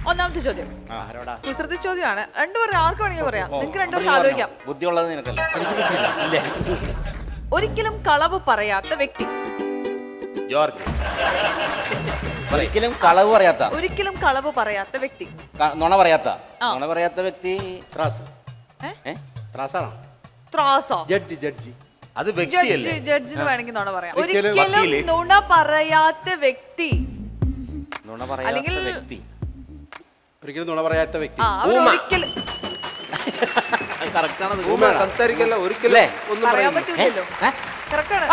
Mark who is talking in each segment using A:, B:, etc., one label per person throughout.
A: ഒന്നാമത്തെ ചോദ്യം കുസൃതി ചോദ്യമാണ്. രണ്ടുപേരും ആർക്ക് വേണമെങ്കിൽ പറയാം. നിങ്ങൾക്ക് രണ്ടുപേർക്ക് ആലോചിക്കാം.
B: ബുദ്ധിയുള്ളത് നിനക്കല്ല.
A: ഒരിക്കലും കളവ് പറയാത്ത വ്യക്തി.
C: ജോർജ്.
B: ഒരിക്കലും കളവ് പറയാത്ത,
A: ഒരിക്കലും കളവ് പറയാത്ത വ്യക്തി.
B: നുണ പറയാത്ത വ്യക്തി.
A: ത്രാസോ?
D: ജഡ്ജി
C: അത് വ്യക്തിയല്ലേ?
A: ജഡ്ജിന് വേണമെങ്കിൽ നുണ പറയാം.
C: ഒരിക്കലും
A: ഒരിക്കലും
C: വക്കീല്.
A: നുണ പറയാത്ത വ്യക്തി.
B: നുണ പറയാത്ത
A: അല്ലെങ്കിൽ-
B: വ്യക്തി.
D: ഒരിക്കലും നുണ പറയാത്ത വ്യക്തി.
A: ഒരിക്കലും
B: കറക്റ്റാണ്.
C: സംസാരിക്കല്ല ഒരിക്കലും
B: അല്ലേ?
C: ഒന്നും
A: പറയാൻ
C: പറയുന്നില്ല.
A: പറ്റൂലല്ലോ. കറക്റ്റ് ആണ്.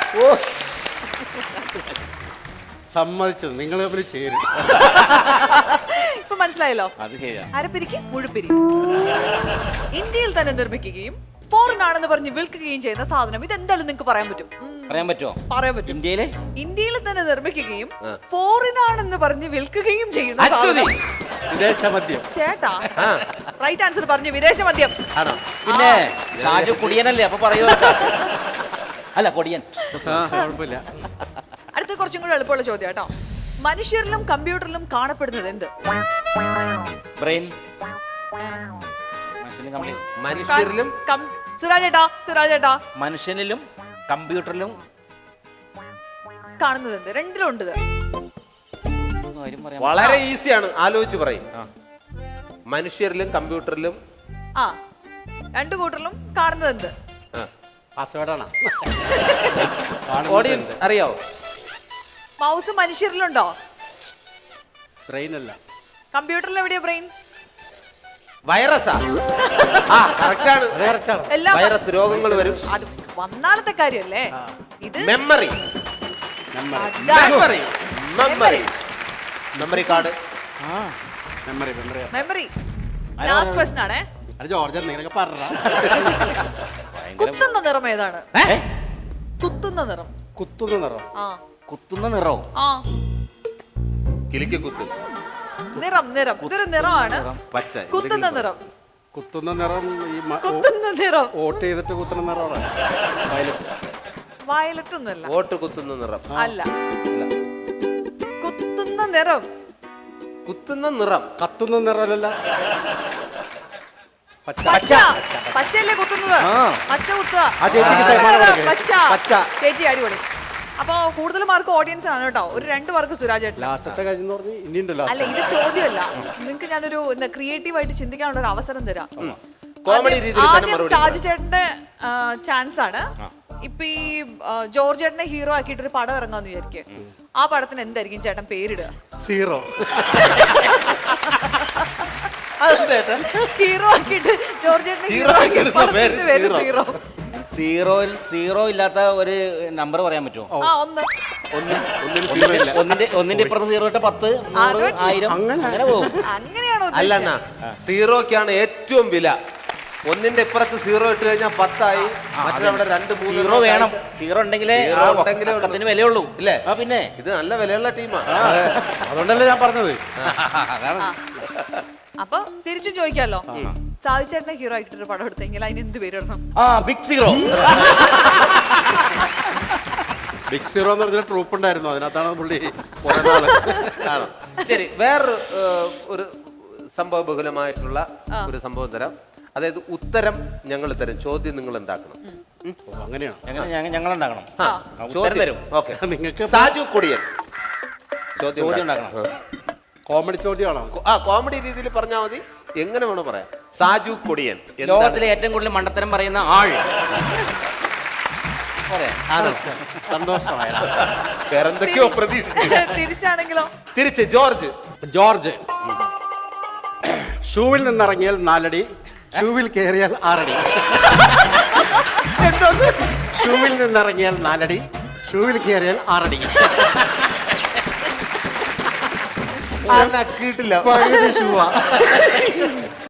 D: സമ്മതിച്ചത് നിങ്ങൾ തമ്മിൽ ചേരും.
A: ഇപ്പൊ മനസ്സിലായല്ലോ.
B: അത് ശരിയാ.
A: അരപ്പിരിക്ക് മുഴുപ്പിരി. ഇന്ത്യയിൽ തന്നെ നിർമ്മിക്കുകയും ഫോറിൻ ആണെന്ന് പറഞ്ഞ് വിൽക്കുകയും ചെയ്യുന്ന സാധനം ഇതെന്തായാലും നിങ്ങൾക്ക് പറയാൻ പറ്റും.
B: പറയാൻ പറ്റുമോ?
A: പറയാൻ പറ്റും.
B: ഇന്ത്യയിലെ
A: ഇന്ത്യയിൽ തന്നെ നിർമ്മിക്കുകയും ഫോറിൻ ആണെന്ന് പറഞ്ഞ് വിൽക്കുകയും ചെയ്യുന്ന
C: അശ്വതി.
A: സാധനം.
D: വിദേശ മദ്യം.
A: ചേട്ടാ റൈറ്റ് ആൻസർ പറഞ്ഞു. വിദേശ മദ്യം.
C: ആണോ?
B: പിന്നെ രാജു കുടിയനല്ലേ, അപ്പൊ പറയൂ. അല്ല കൊടിയൻ.
D: കുഴപ്പമില്ല.
A: അടുത്ത കുറച്ചും കൂടെ എളുപ്പമുള്ള ചോദ്യം കേട്ടോ. മനുഷ്യരിലും കമ്പ്യൂട്ടറിലും കാണപ്പെടുന്നത് എന്ത്?
B: ബ്രെയിൻ.
C: മനുഷ്യരിലും
A: സുരാജേട്ടാ
B: മനുഷ്യനിലും കമ്പ്യൂട്ടറിലും
A: കാണുന്നത് എന്ത്? രണ്ടിലും ഉണ്ട് ഇത്.
B: കാര്യം പറയാൻ
C: വളരെ ഈസിയാണ്, ആലോചിച്ച് പറയും. മനുഷ്യരിലും കമ്പ്യൂട്ടറിലും
A: ആ രണ്ടു കൂട്ടറിലും കാണുന്നത് എന്ത്?
D: പാസ്വേഡാണ്.
C: ഓഡിയൻസ് അറിയാവോ?
A: മൗസ് മനുഷ്യരിലുണ്ടോ?
D: ബ്രെയിൻ അല്ല.
A: കമ്പ്യൂട്ടറിൽ എവിടെയാ ബ്രെയിൻ?
C: വൈറസാ? കറക്റ്റാണ്.
A: എല്ലാം
C: വൈറസ് രോഗങ്ങൾ വരും.
A: അത് വന്നാലത്തെ കാര്യല്ലേ ഇത്.
C: മെമ്മറി
A: അതാണ്.
C: Memory card.
D: Memory
A: memory. Last question ആണേ.
D: അത് ജോർജ് നിങ്ങളൊക്കെ പറഞ്ഞ
A: കുത്തുന്ന നിറം ഏതാണ്?
B: ഏ?
A: കുത്തുന്ന നിറം.
D: കുത്തുന്ന നിറം.
A: ആ
B: കുത്തുന്ന നിറവും.
A: ആ
C: കിളിക്ക് കുത്ത്.
A: നിറം ഇതൊരു നിറമാണ്.
C: പച്ച.
A: കുത്തുന്ന നിറം.
D: കുത്തുന്ന നിറം ഈ
A: കുത്തുന്ന നിറം.
D: വോട്ട് ചെയ്തിട്ട് കുത്തുന്ന നിറമാണ്.
A: വയലറ്റ് ഒന്നല്ല.
C: വോട്ട് കുത്തുന്ന നിറം
A: അല്ല. കുത്തുന്ന നിറം.
C: കുത്തുന്ന നിറം.
D: കത്തുന്ന നിറമല്ല.
A: പച്ച. പച്ചയല്ലേ കുത്തുന്നത്? പച്ച കുത്തുക.
D: ആ ചേച്ചിക്ക് സമ്മാനം കൊടുക്ക്.
A: പച്ച. ചേച്ചി അടിപൊളി. അപ്പൊ കൂടുതൽ മാർക്ക് ഓഡിയൻസ് ആണ് കേട്ടോ. ഒരു 2 മാർക്ക് സുരാജ് ചേട്ടൻ.
D: ലാസ്റ്റത്തെ കഴിഞ്ഞെന്ന് പറഞ്ഞ് ഇനിയുണ്ടല്ലോ.
A: അല്ല ഇത് ചോദ്യമല്ല. നിങ്ങൾക്ക് ഞാനൊരു ക്രിയേറ്റീവ് ആയിട്ട് ചിന്തിക്കാനുള്ള ഒരു അവസരം തരാം.
C: കോമഡി രീതിയിൽ തന്നെ
A: ആദ്യം
C: മറുപടി
A: സാജു ചേട്ടന്റെ ചാൻസ് ആണ്. ഇപ്പൊ ഈ ജോർജ് ചേട്ടനെ ഹീറോ ആക്കിയിട്ട് ഒരു പടം ഇറങ്ങാന്ന് വിചാരിക്കുക. ആ പടത്തിന് എന്തായിരിക്കും ചേട്ടൻ പേരിടുക?
D: സീറോ.
A: ഹീറോ ആക്കിയിട്ട് ജോർജ് ചേട്ടനെ ഹീറോ ആക്കിയിട്ട് പടത്തിന്റെ പേര് സീറോ.
B: സീറോ ഇല്ലാത്ത ഒരു നമ്പർ പറയാൻ പറ്റുമോ?
A: ആ ഒന്ന്.
B: ഒന്നിന്റെ ഇപ്പുറത്ത് സീറോ ഇട്ട 10, 100, 1000 അങ്ങനെ പോകും.
A: അങ്ങനെയാണോ?
C: അല്ലെന്നാ സീറോക്കാണ് ഏറ്റവും വില. ഒന്നിന്റെ ഇപ്പുറത്ത് സീറോ ഇട്ട് കഴിഞ്ഞാൽ 10 ആയി. മറ്റവിടെ 2, 3
B: സീറോ വേണം. സീറോ ഉണ്ടെങ്കിലേ ഒക്കത്തിന് വിലയുള്ളൂ.
C: ഇല്ലേ?
B: ആ പിന്നെ
C: ഇത് നല്ല വിലയുള്ള ടീമാ.
D: അതുകൊണ്ടല്ലേ ഞാൻ പറഞ്ഞത്.
A: അപ്പൊ തിരിച്ചു ചോദിക്കാലോ. സാജു ചേട്ടനെ ഹീറോ ആക്കിട്ടൊരു പടം എടുത്തെങ്കിൽ അതിന് എന്ത് പേരിടണം?
B: Big zero.
D: ബിഗ് സീറോ എന്ന് പറഞ്ഞ ട്രൂപ്പ് ഉണ്ടായിരുന്നു. അതിനകത്താണ് പുള്ളി.
C: ശരി, വേറൊരു ഒരു സംഭവ ബഹുലമായിട്ടുള്ള ഒരു സംഭവം തരാം. അതായത് ഉത്തരം ഞങ്ങൾ തരും, ചോദ്യം നിങ്ങൾ ഉണ്ടാക്കണം.
D: അങ്ങനെയാണ്
B: ഞങ്ങൾ ഉണ്ടാക്കണം.
C: ചോദ്യം
B: തരും.
C: ഓക്കെ.
D: നിങ്ങൾക്ക്
C: സാജു കൊടിയൻ ചോദ്യം
B: ചോദ്യം
C: ഉണ്ടാക്കണം.
D: കോമഡി ചോദ്യമാണോ?
C: കോമഡി രീതിയിൽ പറഞ്ഞാൽ മതി, എങ്ങനെ വേണോ പറയാം. സാജു കൊടിയൻ
B: ലോകത്തിലെ ഏറ്റവും കൂടുതൽ മണ്ടത്തരം പറയുന്ന ആൾ.
D: സന്തോഷമായ
C: വേറെന്തൊക്കെയോ പ്രതീക്ഷ.
A: തിരിച്ചാണെങ്കിലോ?
C: തിരിച്ച് ജോർജ്.
D: ഷൂവിൽ നിന്നിറങ്ങിയാൽ 4 അടി, ഷൂവിൽ കയറിയാൽ 6 അടി. ഷൂവിൽ നിന്നിറങ്ങിയാൽ 4 അടി, ഷൂവിൽ കയറിയാൽ 6 അടി.
C: കിട്ടില്ല.
D: ഷൂവാ.